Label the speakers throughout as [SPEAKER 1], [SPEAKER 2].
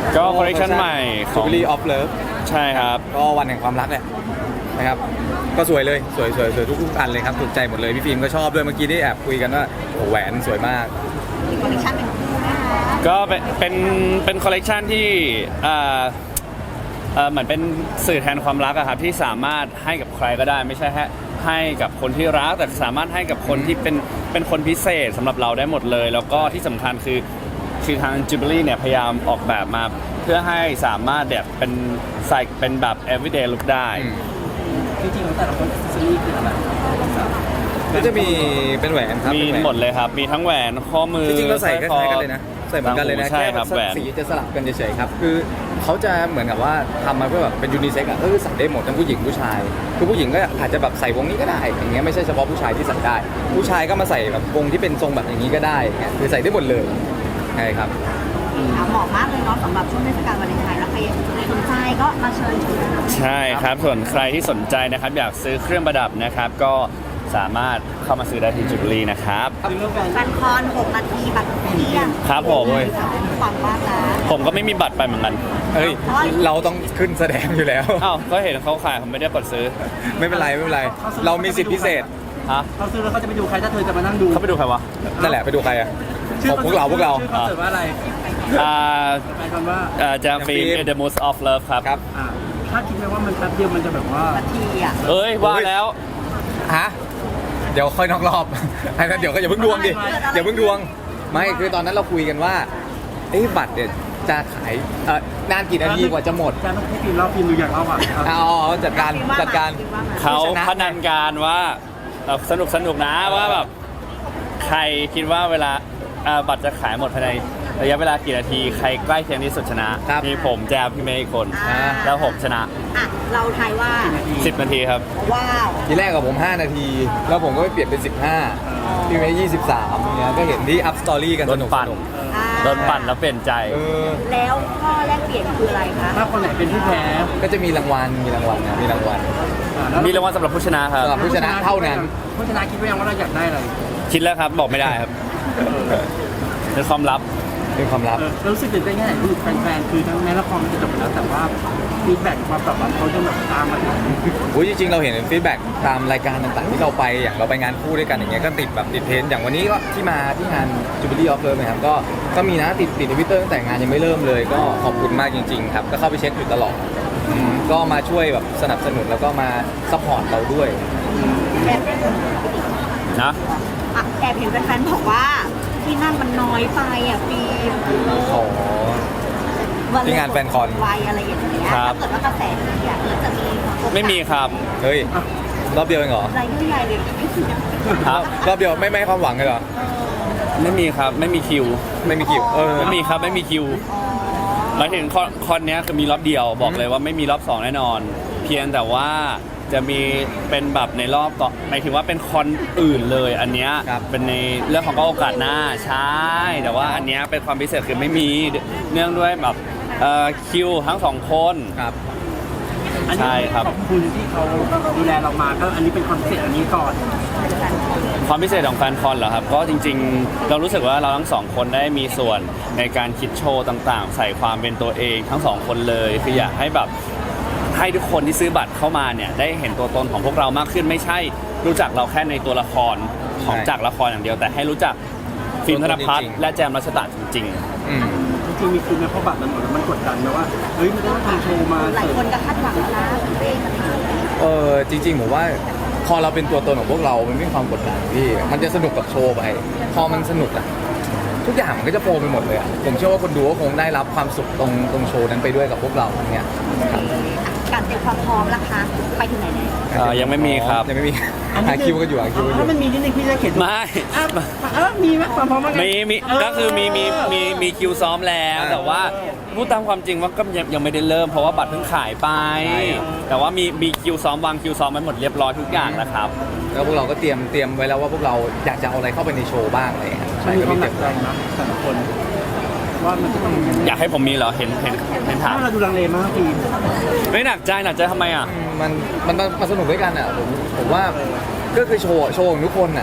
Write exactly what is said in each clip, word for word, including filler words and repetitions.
[SPEAKER 1] ก็คอลเลคชันใหม่ข
[SPEAKER 2] จู
[SPEAKER 1] อง
[SPEAKER 2] บิลี่ออฟเลิฟ
[SPEAKER 1] ใช่ครับ
[SPEAKER 2] ก็วันแห่งความรักแหละนะครับก็สวยเลยสวยสวยสวยทุกทุกอันเลยครับถูกใจหมดเลยพี่ฟิล์มก็ชอบด้วยเมื่อกี้ได้แอบคุยกันว่าโอ้แหวนสวยมาก
[SPEAKER 3] มีคอลเลคชันเป็นคู่นะคะ
[SPEAKER 1] ก็เป็นเป็นเป็นคอลเลกชันที่อ่าเอ่อเหมือนเป็นสื่อแทนความรักอะครับที่สามารถให้กับใครก็ได้ไม่ใช่แค่ให้กับคนที่รักแต่สามารถให้กับคนที่เป็นเป็นคนพิเศษสำหรับเราได้หมดเลย แล้วก็ที่สำคัญคือคือทาง Jubilee เนี่ยพยายามออกแบบมาเพื่อให้สามารถแบบเป็นใส่เป็นแบบ everyday look ได้
[SPEAKER 4] จริงๆของแต่ละคนซีรีส์คืออะไร
[SPEAKER 2] ก็จะมีเป็นแหวนครับ
[SPEAKER 1] มี
[SPEAKER 2] เป็นแหวน
[SPEAKER 1] หมดเลยครับ มีทั้งแหวนข้อมือ
[SPEAKER 2] จริงๆเราใส่ค
[SPEAKER 1] สร้
[SPEAKER 2] ล้ายๆ
[SPEAKER 1] อ
[SPEAKER 2] กันเลยนะใส่เหมือนกันเลยนะ
[SPEAKER 1] ใช่ครับ
[SPEAKER 2] แค่
[SPEAKER 1] แหวน
[SPEAKER 2] สีจะสลับกันเฉยๆครับคือเขาจะเหมือนกับว่าทำมาเพื่อแบบเป็นยูนิเซ็กอะเออใส่ได้หมดทั้งผู้หญิงผู้ชายคือผู้หญิงก็อาจจะแบบใส่วงนี้ก็ได้อย่างเงี้ยไม่ใช่เฉพาะผู้ชายที่ใส่ได้ ผู้ชายก็มาใส่แบบวงที่เป็นทรงแบบอย่างนี้ก็ได้อย่างเงี้ยคือใส่ได้หมดเลยใช่ครับ
[SPEAKER 3] อ่ะเหมาะมากเลยเนาะสำหรับช่วงเทศกาลวาเลนไทน์แล้วใครสนใจก็มาเชิญชวนนะคะ
[SPEAKER 1] ใช่ครับส่วนใครที่สนใจนะครับอยากซื้อเครื่องประดับนะครับ ก็สามารถเข้ามาซื้อได้ที่ Jubilee นะครับ
[SPEAKER 3] แฟนคอนหกนาทีบัตรเที่ยง
[SPEAKER 1] ครับผม
[SPEAKER 3] ความว่างนะ
[SPEAKER 1] ผมก็ไม่มีบัตรไปเหมือนกัน
[SPEAKER 2] เฮ้ยเราต้องขึ้นแสดงอยู่แล้ว
[SPEAKER 1] อ้าวก็เห็นเขาขายผมไม่ได้กดซื้อ
[SPEAKER 2] ไม่เป็นไรไม่เป็นไร เรามีสิทธิพิเศษ
[SPEAKER 1] ฮะ
[SPEAKER 4] เขาซื้อแล้วเขาจะไปดูใครถ้าเธอจะมานั่งดู
[SPEAKER 1] เขาไปดูใครวะ
[SPEAKER 2] นั่นแหละไปดูใครอะของพวกเราพวกเรา
[SPEAKER 4] ชื่อคอนเสิร์ตว่าอะไร
[SPEAKER 1] อ่า
[SPEAKER 4] แปลกันว่า
[SPEAKER 1] อ่าจามฟิล์ม The Most of Love ครับ
[SPEAKER 2] ครับ
[SPEAKER 4] อ่าถ้าคิดไหมว่ามันแป๊บเดียวมันจะแบบว่า
[SPEAKER 3] นาทีอ่ะ
[SPEAKER 1] เอ้ยว่าแล้ว
[SPEAKER 2] ฮะเดี๋ยวค่อยนอกรอบ ไอ้นั้นเดี๋ยวก็อย่าเพิ่งดวงดิอย่าเพิ่งดวงไม่คือตอนนั้นเราคุยกันว่าเอ้ยบัตรเนี่ยจะขายเอ่อนานกี่นาทีกว่าจะหมด
[SPEAKER 4] จะต้องให้พิมพ์เล่าพิมพ์ดูอย่างเล่าอ่ะ
[SPEAKER 2] เอาเอาจัดการจัดการ
[SPEAKER 1] เขา
[SPEAKER 2] ผู้ชนะ
[SPEAKER 1] พนันการว่าเอ่อสนุกสนุกนะว่าแบบใครคิดว่าเวลาอ่าบัตรจะขายหมดภายในระยะเวลากี่นาที ใครใกล้เคียงที่สุดชนะครับ มีผมแจมพี่เมย์อีกคน
[SPEAKER 3] อ่า
[SPEAKER 1] แล้วผมชนะ
[SPEAKER 3] อ่ะเราทายว่า
[SPEAKER 1] สิบนาทีครับ
[SPEAKER 3] ว้าว
[SPEAKER 2] ทีแรกกับผมห้านาที แล้วผมก็ไปเปลี่ยนเป็นสิบห้าพี่เมย์ยี่สิบสามเงี้ยก็เห็นที่อัพสตอรี่กัน
[SPEAKER 1] โด
[SPEAKER 2] ส
[SPEAKER 1] น
[SPEAKER 2] นุก
[SPEAKER 1] ปั่น
[SPEAKER 2] สนุก
[SPEAKER 3] อ่า
[SPEAKER 1] โดนปั่นแล้วเปลี่ยนใจ
[SPEAKER 2] เออ
[SPEAKER 3] แล้วข้อแลกเปลี่ยนคืออะไรคะ
[SPEAKER 4] ถ้าคนไหนเป็นผู้แพ้
[SPEAKER 2] ก็จะมีรางวัลมีรางวัลนะมีรางวัล
[SPEAKER 4] อ่าแล้ว
[SPEAKER 1] มีรางวัลสำหรับผู้ชนะครับ
[SPEAKER 2] สำหรับผู้ชนะเท่านั้น
[SPEAKER 4] ผู้ชนะคิดว่ายังว่าเราอยากได้อะไร
[SPEAKER 1] คิดแล้วครับบอกไม่ได้ครับเป็นความลับ
[SPEAKER 2] เป็นความลับ
[SPEAKER 4] เออเรารู้สึกตื่นเต้นแค่ไหนคือแฟนๆคือทั้งแม้ละครมันจะจบไปแล้วแต่ว่าฟีดแบ็กความตอบรับเขาจะแบบตามมาถึง
[SPEAKER 2] โอ้ยจริงๆเราเห็นฟีดแบ็กตามรายการต่างๆที่เราไปอย่างเราไปงานคู่ด้วยกันอย่างเงี้ยก็ติดแบบติดเทรนด์อย่างวันนี้ก็ที่มาที่งาน Jubilee of Love นะครับก็ก็มีนะติดติดทวิตเตอร์ตั้งแต่งานยังไม่เริ่มเลย ก็ขอบคุณมากจริงๆครับก็เข้าไปเช็คอยู่ตลอดอืมก็มาช่วยแบบสนับสนุนแล้วก็มาซัพพอร์ตเราด้วย
[SPEAKER 3] แอบ
[SPEAKER 1] นะ
[SPEAKER 3] อ่ะแอบเห็นแฟนๆบอกว่าที่นั่งมันน้อยไปอ่ะฟิล์ม
[SPEAKER 2] ขอ ที่งานแฟนคอน
[SPEAKER 3] ไวอะไรอย่างเงี้ยถ้าเกิดว่ากระแสดีอ่ะแล้วจะมีโอกาส
[SPEAKER 1] ไม่มีครับ
[SPEAKER 2] เฮ้ยรอบเดียวเองเหรอ
[SPEAKER 3] รายใหญ่เลย
[SPEAKER 1] ครับ
[SPEAKER 2] รอบเดียวไม่ไม่ให้ความหวังเลยเหรอ
[SPEAKER 1] ไม่มีครับไม่มีคิว
[SPEAKER 2] ไม่มีคิวเออ
[SPEAKER 1] ไม่มีครับไม่มีคิว
[SPEAKER 3] อ๋อ
[SPEAKER 1] หมายถึงคอนคอนเนี้ยคือมีรอบเดียวบอกเลยว่าไม่มีรอบสองแน่นอน เพียงแต่ว่าจะมีเป็นแบบในรอบต่อหมายถึงว่าเป็นคอนอื่นเลยอันเนี้ย
[SPEAKER 2] ครับ
[SPEAKER 1] เป็นในเรื่องของก็โอกาสหน้าใช่แต่ว่าอันเนี้ยเป็นความพิเศษคือไม่มีเนื่องด้วยแบบเอ่อคิวทั้งสองคน
[SPEAKER 2] ครับ
[SPEAKER 4] อันนี้
[SPEAKER 1] ใช่ครับ
[SPEAKER 4] ขอบคุณที่เขาดูแลเรามาก็อันนี้เป็นคอนเซ็ปต์อันนี้ก่อน
[SPEAKER 1] ความพิเศษของแฟนคอนเหรอครับก็จริงๆ เรารู้สึกว่าเราทั้งสองคนได้มีส่วนในการคิดโชว์ต่างๆ ใส่ความเป็นตัวเองทั้งสองคนเลยคืออยากให้แบบให้ทุกคนที่ซื้อบัตรเข้ามาเนี่ยได้เห็นตัวตนของพวกเรามากขึ้นไม่ใช่รู้จักเราแค่ในตัวละครของ
[SPEAKER 2] ใช่
[SPEAKER 1] จากละครอย่างเดียว แต่ให้รู้จักฟิล์มธนพัฒน์
[SPEAKER 2] จริงๆ
[SPEAKER 1] และแจมรัชตะจริง
[SPEAKER 2] อืม
[SPEAKER 4] จริงๆมีคือในเพราะบัตรมันหมดแล้วมันกดดันนะว่าเฮ้ยมันจะต้องทำโชว์มา
[SPEAKER 3] หลาย
[SPEAKER 4] เสิร์ฟ
[SPEAKER 3] คนก็คาดหวังแล้วนะเร่อะไรอย่างเงี้ย
[SPEAKER 2] เออจริงๆผมว่าพอเราเป็นตัวตนของพวกเรา มันไม่มีความกดดันพี่ มันจะสนุกกับโชว์ไป พอมันสนุกอะทุกอย่างมันก็จะโฟลว์ไปหมดเลยอะผมเชื่อว่าคนดูก็คงได้รับความสุขตรงตรงโชว์นั้นไปด้วยกับพวกเราอย่างเงี้ยครับ
[SPEAKER 3] การเตรียมความพร้อมล่ะคะไปถึงไหนแล้ว
[SPEAKER 1] เอ่อยังไม่มีครับ
[SPEAKER 2] ยังไม่มีหาคิวกันอยู่หาคิวกันอ
[SPEAKER 4] ถ้า
[SPEAKER 2] ยู่
[SPEAKER 4] มันมีนิดนึงพี่จะเขียน
[SPEAKER 1] ๆ ไม่
[SPEAKER 4] อ่ะเออมีไหมความพร้อมว่าไง
[SPEAKER 1] มีมีก็คือมีมีมีมีคิวซ้อมแล้ว แต่ว่าพูดตามความจริงว่าก็ยังยังไม่ได้เริ่มเพราะว่าบัตรเพิ่งขายไป แต่ว่ามีมีคิวซ้อมวางคิวซ้อมไว้หมดเรียบร้อยทุกอย่างแล้วครับ
[SPEAKER 2] แล้วพวกเราก็เตรียมเตรียมไว้แล้วว่าพวกเราอยากจะเอาอะไรเข้าไปในโชว์บ้างอะไรอย่างเงี้ย
[SPEAKER 4] มั
[SPEAKER 2] ใช่
[SPEAKER 4] นมี
[SPEAKER 2] ก็
[SPEAKER 4] ควา
[SPEAKER 2] มี
[SPEAKER 4] มห
[SPEAKER 2] เต
[SPEAKER 4] นั
[SPEAKER 2] รีย
[SPEAKER 4] ก
[SPEAKER 2] ม
[SPEAKER 4] ใจนะแต่ละคนว่ามันจะต้องยังไง
[SPEAKER 1] อยากให้ผมมีเหรอเห็นเห็นเห็นถาม
[SPEAKER 4] ถ้าเราดูลังเลมากพี่
[SPEAKER 1] ไม่หนักใจหนักใจทำไมอ่ะ
[SPEAKER 2] มันมันมันสนุกด้วยกันอ่ะผมผมว่าก็คือโชว์โชว์ของทุกคนอ่ะ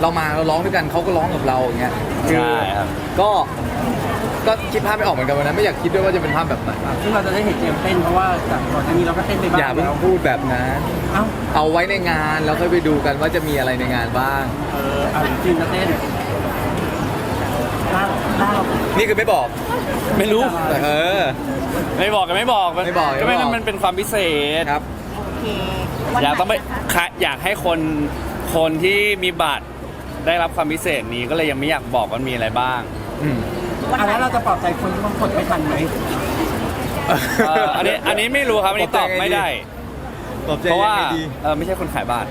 [SPEAKER 2] เรามาเราร้องด้วยกันเขาก็ร้องกับเราอย่างเงี้ยคือ
[SPEAKER 1] ใช่ครับ
[SPEAKER 2] ก็ก็คิดภาพไม่ออกเหมือนกันวันนั้นไม่อยากคิดด้วยว่าจะเป็นภาพแบบไหน
[SPEAKER 4] ซึ่งเราจะได้เห็นเจมส์เต้นเพราะว่าจากก่อนหน้านี้เราก็เต้นไปบ้าง
[SPEAKER 2] อย่าเพิ่ง
[SPEAKER 4] แล้ว
[SPEAKER 2] พูดแบบนั้น
[SPEAKER 4] เอ้า
[SPEAKER 2] เอาไว้ในงานแล้วค่อยไปดูกันว่าจะมีอะไรในงานบ้าง
[SPEAKER 4] เออเอาจริงๆจะเต้นล่าล่าเรา
[SPEAKER 2] นี่คือไม่บอก
[SPEAKER 1] ไม่รู้
[SPEAKER 2] แต่เออ
[SPEAKER 1] ไม่บอกกันไม่บอก
[SPEAKER 2] ไม่บอก
[SPEAKER 1] ก็ไม่
[SPEAKER 2] ไม่บอก
[SPEAKER 1] มันเป็นความพิเศษ
[SPEAKER 2] ครับ
[SPEAKER 3] โอเควัน
[SPEAKER 1] อยากต้องไป
[SPEAKER 3] ไหนนะคะ
[SPEAKER 1] ค่ะอยากให้คนคนที่มีบัตรได้รับความพิเศษนี้ก็เลยยังไม่อยากบอกว่ามีอะไรบ้าง
[SPEAKER 2] อืม
[SPEAKER 3] วัน
[SPEAKER 4] อัน
[SPEAKER 3] ไหน
[SPEAKER 4] นั้นเราจะปลอบใจคนที่บางคนไม่ทันไหม
[SPEAKER 1] เอ่ออันนี้อันนี้ไม่รู้ครับอันนี้ตอบไม่ได้
[SPEAKER 2] ตอบใจ
[SPEAKER 1] เพราะว่า
[SPEAKER 2] ยังไงดี
[SPEAKER 1] เออไม่ใช่คนขายบัตร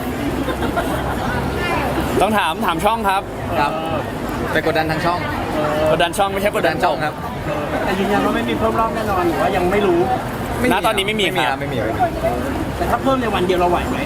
[SPEAKER 1] ต้องถามถามช่องครับ
[SPEAKER 2] ครับไปกดดันทางช่อง
[SPEAKER 1] กดดันช่องไม่ใช่ก
[SPEAKER 2] ก
[SPEAKER 1] ด
[SPEAKER 2] ด
[SPEAKER 1] ดั
[SPEAKER 2] ดั
[SPEAKER 1] น
[SPEAKER 2] นช่องครับ
[SPEAKER 4] แต่ยืนยันว่าไม่มีเพิ่มรอบแน่นอนหรือว่ายังไม่รู้
[SPEAKER 1] ณตอนนี้ไม่มี
[SPEAKER 2] ไม่มี
[SPEAKER 1] ค
[SPEAKER 2] ค
[SPEAKER 1] รั
[SPEAKER 2] รับ บไม่มีไม่มี
[SPEAKER 4] แต่ถ้าเพิ่มในวันเดียวเราไหวไหม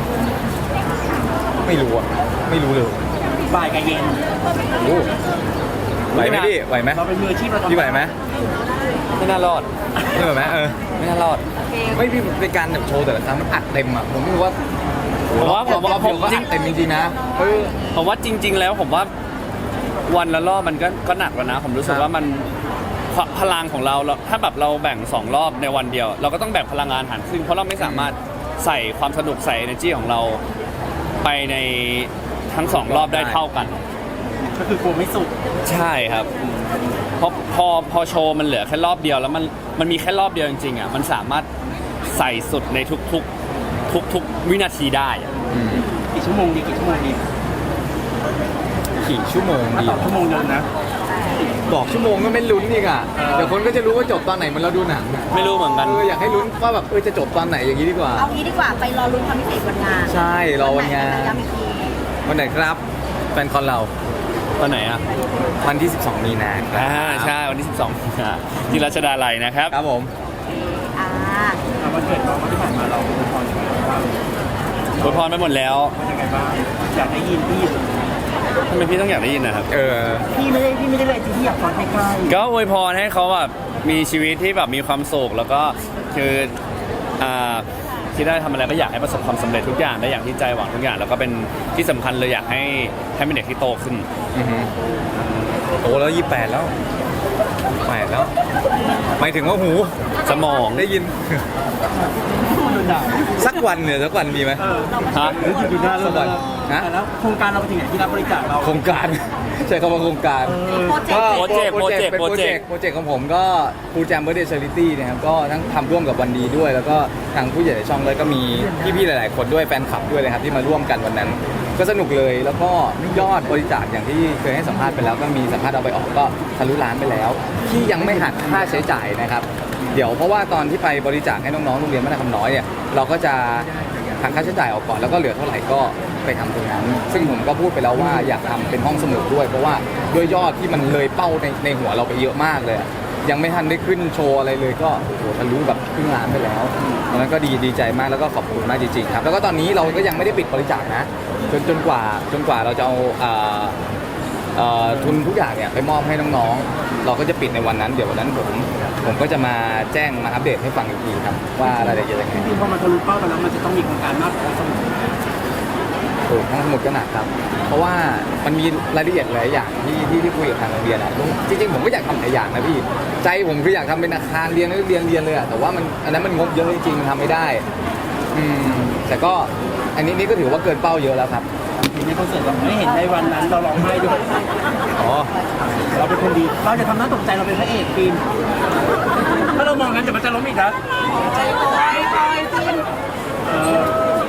[SPEAKER 2] ไม่รู้อ่ะไม่รู้เลย
[SPEAKER 4] บ่ายกับเย็น
[SPEAKER 2] โอ้ไหวไหมพี่ไหวไหม
[SPEAKER 4] เราเป็นมืออาชีพเราทำ
[SPEAKER 2] พี่ไหวไหม
[SPEAKER 1] ไม่น่ารอด
[SPEAKER 2] ไม่ไหวไหมเออ
[SPEAKER 1] ไม่น่ารอด
[SPEAKER 2] ไม่พี่เป็นการแบบโชว์แต่ละครั้งมันอัดเต็มอ่ะผมไม่รู้ว่า
[SPEAKER 1] ผมว่าผมว่า
[SPEAKER 2] รอบเดียวก็
[SPEAKER 1] จริ
[SPEAKER 2] อั
[SPEAKER 1] ง
[SPEAKER 2] ดเต็มจริงๆนะเออ
[SPEAKER 1] ผมว่าจริง ๆ แล้วผมว่าวันละรอบมันก็ก็หนักแล้วนะ ผมรู้สึก
[SPEAKER 2] ครับ
[SPEAKER 1] ว่ามันพพลังของเราเราถ้าแบบเราแบ่งสองรอบในวันเดียว เราก็ต้องแบ่งพลังงานหารครึ่งเพราะเราไม่สามารถใส่ความสนุกใส่ energy ของเราไปในทั้งสองรอบได้เท่ากัน
[SPEAKER 4] ก็คือกลัวไม่สุด
[SPEAKER 1] ใช่ครับเพราะพอพอโชว์มันเหลือแค่รอบเดียวแล้วมันมันมีแค่รอบเดียวจริงๆอ่ะมันสามารถใส่สุดในทุกๆทุกๆวินาทีได้อะ
[SPEAKER 2] อืม
[SPEAKER 4] กี่ชั่วโมงดีกี่ชั่วโมงดี
[SPEAKER 2] กี่ชั่วโมง
[SPEAKER 4] ถ้า
[SPEAKER 2] ดี
[SPEAKER 4] ตอบชั่วโมงเดินนะ
[SPEAKER 2] บอกชั่วโมงก็ไม่ลุ้นอีกอ่ะเดี๋ยวคนก็จะรู้ว่าจบตอนไหนเหมันเราดูหนังอะ
[SPEAKER 1] ไม่รู้เหมือนกัน
[SPEAKER 2] เอออยากให้ลุ้นว่าแบบเออจะจบตอนไหนอย่างนี้ดีกว่า
[SPEAKER 3] เอางี้ดีกว่าไปรอลุ้นความพิเศษวันงาน
[SPEAKER 2] ใช่รอวันงาน
[SPEAKER 3] ย้ำอีกที
[SPEAKER 2] วันไหนครับแฟนคอนเรา
[SPEAKER 1] วันไหนอ่ะ
[SPEAKER 2] วันที่ สิบสอง มีนาครั
[SPEAKER 1] อ่าใช่วันที่สิบสองมีนาที่รัชดาลัยนะครับ
[SPEAKER 2] ครับผม
[SPEAKER 3] อ่า
[SPEAKER 4] เอาวันเกิดเราที่ผ่านมาเราเป็นพรยังไงบ้าง
[SPEAKER 1] อวยพรไปหมดแล้ว
[SPEAKER 4] เป็นยังไงบ้างอยากได้ยินพี่
[SPEAKER 1] ทำไมพี่ต้องอยากได้ยินนะครับ
[SPEAKER 2] เออ
[SPEAKER 4] พี่ไม่ได้พี่ไม่ได้เลยจริงที่อยากฟังใกล้ๆ
[SPEAKER 1] ก็อวยพรให้เขาแบบมีชีวิตที่แบบมีความสุขแล้วก็คืออ่าที่ได้ทำอะไรก็อยากให้ประสบความสำเร็จทุกอย่างได้อย่างที่ใจหวังทุกอย่าง แล้วก็เป็นที่สำคัญเลยอยากให้ให้เป็นเด็กที่โตขึ้น
[SPEAKER 2] อือฮึโตแล้วยี่แปดแล้วแปดแล้วหมายถึงว่าหู
[SPEAKER 1] สมอง
[SPEAKER 2] ได้ยิน
[SPEAKER 4] โดนด่า
[SPEAKER 2] สักวันเนี่ยสักวันมีไหม
[SPEAKER 4] เออ
[SPEAKER 1] ฮะ
[SPEAKER 4] หรืออยู่หน้าเรา
[SPEAKER 2] สวัสดีฮะ
[SPEAKER 4] แล้วโครงการเราไปถึงไหนที่รับบริจาคเรา
[SPEAKER 2] โครงการ ใช้คำว่าโครงการ
[SPEAKER 3] โปรเจกต์
[SPEAKER 1] โปรเจกต์
[SPEAKER 2] เป็นโปรเจกต์โปรเจกต์ของผมก็ฟูแจมเบอร์เดย์ชาริตี้นะครับก็ทั้งทำร่วมกับวันดีด้วย แล้วก็ทางผู้ใหญ่ในช่องเลยก็มีพี่ๆหลาย ๆ คนด้วยแฟนคลับด้วยเลยครับที่มาร่วมกันวันนั้น ก็สนุกเลยแล้วก็ยอดบริจาคอย่างที่เคยให้สัมภาษณ์ไปแล้วก็มีสัมภาษณ์เอาไปออกก็ทะลุล้านไปแล้ว ที่ยังไม่หักค่าใช้จ่ายนะครับเดี๋ยวเพราะว่าตอนที่ไปบริจาคให้น้องๆโรงเรียนมัธยมคำน้อยเนี่ยเราก็จะหักค่าใช้จ่ายออกก่อนแล้วก็เหลือเท่าไหร่ก็ไปทำตรงนั้น ซึ่งผมก็พูดไปแล้วว่าอยากทำเป็นห้องสมุดด้วย เพราะว่าด้วยยอดที่มันเลยเป้าในในหัวเราไปเยอะมากเลยอะยังไม่ทันได้ขึ้นโชว์อะไรเลยก็โอ้โหทะลุแบบครึ่งล้านไปแล้วตอนนั้นก็ดีดีใจมากแล้วก็ขอบคุณมากจริงๆครับแล้วก็ตอนนี้เราก็ยังไม่ได้ปิดบริจาคนะจนจนกว่าจนกว่าเราจะเอาอ่าเอ่อทุนทุกอย่างเนี่ยไปมอบให้น้องๆ เราก็จะปิดในวันนั้น เดี๋ยววันนั้นผมผมก็จะมาแจ้งมาอัปเดตให้ฟังอีกทีครับว่ารายละเอียดยังไง
[SPEAKER 4] จริงๆพอมันทะลุเป้าไปแล้วมันจะต้องมีโครงการมากกว่าสมุด
[SPEAKER 2] โอ้ทั้งหมดก็หนักครับ เพราะว่ามันมีรายละเอียดหลายอย่างที่ที่ที่คุยกับทางโรงเรียนอะจริงๆผมก็อยากทำหลายอย่างนะพี่ใจผมคืออยากทำเป็นอาคารเรียนนักเรียนเรียนเลยอะแต่ว่ามันอันนั้นมันงบเยอะจริงๆมันทำไม่ได้อืมแต่ก็อันนี้นี่ก็ถือว่าเกินเป้าเยอะแล้วครับ
[SPEAKER 4] ในคอนเสิร์ตเราไม่เห็นในวันนั้นเราร้องไห้ด้วย
[SPEAKER 2] อ๋อ
[SPEAKER 4] เราเป็นคนดี เราจะทำหน้าตกใจเราเป็นพระเอกฟิล์มถ้าเรามองงั้นเดี๋ยวมันจะล้มอีกนะ
[SPEAKER 3] ใจโตยโตยขึ้น
[SPEAKER 4] เออ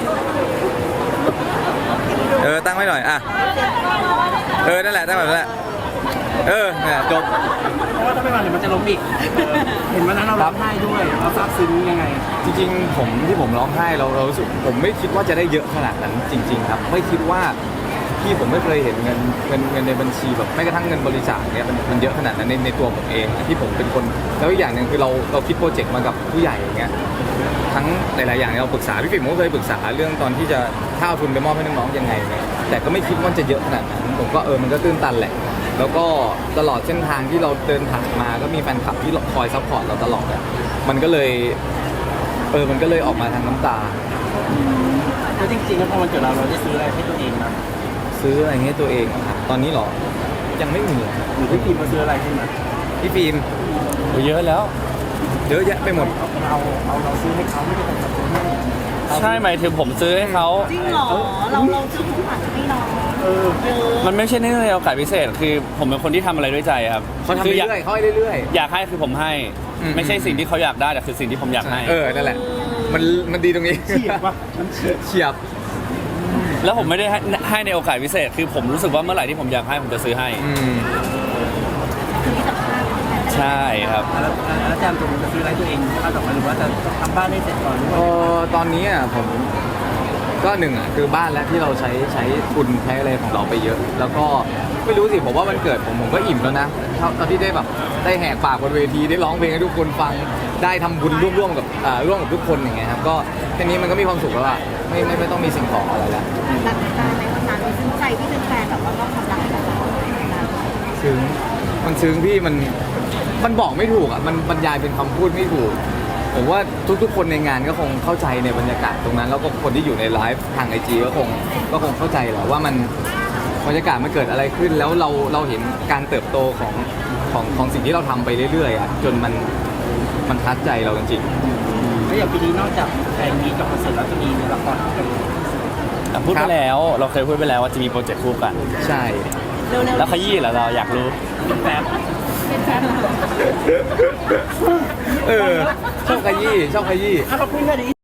[SPEAKER 2] เออตั้งไว้หน่อยอ่ะเออนั่นแหละตั้งแบบนั้นแหละเออเนี่ยจบ
[SPEAKER 4] เพราะว่าถ้าไม่มาเดี๋ยวมันจะล้มอีกเออเห็นวันนั้นเราร้องไห้ด้วยเราซาบซึ้งยังไง
[SPEAKER 2] จริงๆผมที่ผมร้องไห้เราเรารู้สึกผมไม่คิดว่าจะได้เยอะขนาดนั้นจริง ๆ ครับ ไม่คิดว่าพี่ผมไม่เคยเห็นเงินเงินเงินในบัญชีแบบแม้กระทั่งเงินบริจาคเนี่ยมันมันเยอะขนาดนั้นในในตัวผมเองที่ผมเป็นคนแล้วอีกอย่างหนึ่งคือเราเราคิดโปรเจกต์มากับผู้ใหญ่อย่างเงี้ยทั้งหลายๆอย่างเราปรึกษาพี่ปิ่มก็เคยปรึกษาเรื่องตอนที่จะถ้าเอาทุนไปมอบให้น้องๆยังไงเนี่ยแต่ก็ไม่คิดว่าจะเยอะขนาดนั้นผมก็เออมันก็ตื้นตันแหละแล้วก็ตลอดเส้นทางที่เราเดินผ่านมาก็มีแฟนคลับที่คอยซัพพอร์ตเราตลอดอ่ะมันก็เลยเออมันก็เลยออกมาทางน้ำตา
[SPEAKER 4] แล้วจริงๆแล้วพอวันเกิดเราเราได้ซื้ออะไรให้ตัวเองนะ
[SPEAKER 2] ซื้ออะไรให้ตัวเองอะครับตอนนี้เหรอยังไม่มี
[SPEAKER 4] หรือพี่พีมาซื้ออะไรให้มา
[SPEAKER 2] พี่ฟิล์ม
[SPEAKER 1] โอ้เยอะแล้ว
[SPEAKER 2] เยอะแยะไปหมด
[SPEAKER 4] เราเอาเราซื้อให้เขาไม่ได้เป็นคนซื้อให้
[SPEAKER 1] ใช่หมายถึงผมซื้อให้เขา
[SPEAKER 3] จริงเหรอเราเราซื้อของขวัญให้น้อง
[SPEAKER 4] เออ
[SPEAKER 3] เออ
[SPEAKER 1] มันไม่ใช่เนื่องในโอกาสพิเศษ คือผมเป็นคนที่ทำอะไรด้วยใจครับ
[SPEAKER 2] เขาทำ
[SPEAKER 1] คืออยาก
[SPEAKER 2] เรื่อยๆเขาให้เรื่อย
[SPEAKER 1] อยากให้คือผมให้
[SPEAKER 2] อืม
[SPEAKER 1] ไม่ใช่สิ่งที่เขาอยากได้แต่คือสิ่งที่ผมอยากให้
[SPEAKER 2] ๆเออนั่นแหละ มันมันดีตรงนี้
[SPEAKER 4] เฉียบว่ะมันเฉียบ
[SPEAKER 2] เฉียบ
[SPEAKER 1] แล้วผมไม่ได้ให้ให้ในโอกาสพิเศษ คือผมรู้สึกว่าเมื่อไหร่ที่ผมอยากให้ผมจะซื้อให้
[SPEAKER 2] อืม
[SPEAKER 3] คือที่สำคัญ
[SPEAKER 1] ใช่ครับ
[SPEAKER 4] แล้วแล้วแจมตัวจะซื้ออะไรตัวเองถ้าต่อไปหรือว่าจะทำบ้านให้เสร็จก่อนหรือ
[SPEAKER 2] เอ
[SPEAKER 4] ว่า
[SPEAKER 2] อตอนนี้อ่ะผมก็หนึ่งอ่ะคือบ้านแล้วที่เราใช้ใช้ทุนใช้อะไรของเราไปเยอะ แล้วก็ไม่รู้สิผมว่ามันเกิดผมผมก็อิ่มแล้วนะเท่าตอนที่ได้แบบได้แหกปากบนเวทีได้ร้องเพลงให้ทุกคนฟังได้ทำบุญร่วมๆกับอ่าร่วมกับทุกคนอย่างเงี้ยครับก็แค่นี้มันก็มีความสุขแล้วอ่ะไม่ไม่ไม่ต้องมีสิ่งของอะไรแล้ว
[SPEAKER 3] รักการในวันนั้นมีซึ้งใจที่เป็นแฟนแบบว่าก็ความรักให้กับเรา
[SPEAKER 2] ซึ้งมันซึ้งพี่มันมันบอกไม่ถูกอ่ะมันบรรยายเป็นคำพูดไม่ถูกผมว่าทุกๆ คนในงานก็คงเข้าใจในบรรยากาศตรงนั้น แล้วก็คนที่อยู่ในไลฟ์ทางไอจีก็คงก็คงเข้าใจแหละว่ามันบรรยากาศมันเกิดอะไรขึ้น แล้วเราเราเห็นการเติบโตของของของสิ่งที่เราทำไปเรื่อยๆอ่ะจนมันมันทัดใจเราจริง
[SPEAKER 4] แล้วอย่างปีนี้นอกจากแฟนมีกับคอนเสิร์ตแล้วจะมีละครกับ
[SPEAKER 1] อ่ะพูดไปแล้ว เราเคยพูดไปแล้วว่าจะมีโปรเจกต์คู่กัน
[SPEAKER 2] ๆ ใช่
[SPEAKER 3] เร็วๆ
[SPEAKER 1] แล้วขยี้เหรอเราอยากรู้
[SPEAKER 4] เป็นแฟน
[SPEAKER 3] เป็นแฟนเหรอ
[SPEAKER 2] เออชอบขยี้ชอบขยี้
[SPEAKER 4] ถ้าเราพูดแค่นี้